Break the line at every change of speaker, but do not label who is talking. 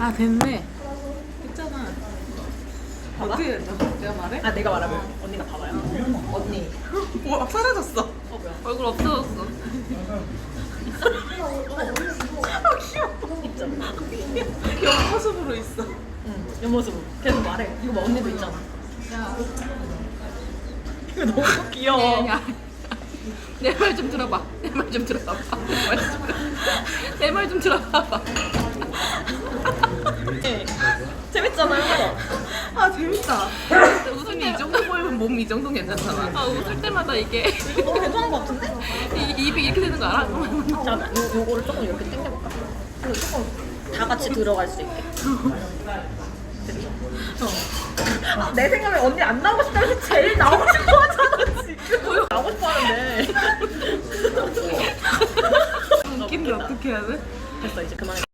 아 됐네. 했잖아. 어떻게 했어? 내가 말해?
아 내가 말하면 언니가 봐봐요. 언니.
막 사라졌어.
뭐야?
얼굴 없어졌어. 아 귀여워.
있잖아.
옆모습으로 있어.
응. 옆모습. 계속 말해. 이거 봐 언니도 있잖아.
야.
이거 너무 귀여워.
내 말 좀 들어봐. 내 말 좀 들어봐. 내 말 좀 들어봐.
네. 재밌잖아요.
아 재밌다. 웃을 때 이 정도 보이면 몸 이 정도 괜찮잖아. 아 웃을 때마다 이게
이거 너무 괜찮은 것 같은데?
입이 이렇게 되는 거 알아?
잠깐만 요거를 조금 이렇게 당겨볼까? 그리고 조금 다 같이 들어갈 수 있게. 됐죠? 아, 내 생각에 언니 안 나오고 싶다면 제일 나오고 싶어 하잖아 지금. 나오고 싶어 하는데.
웃긴데 어떻게 해야 돼?
됐어 이제 그만해.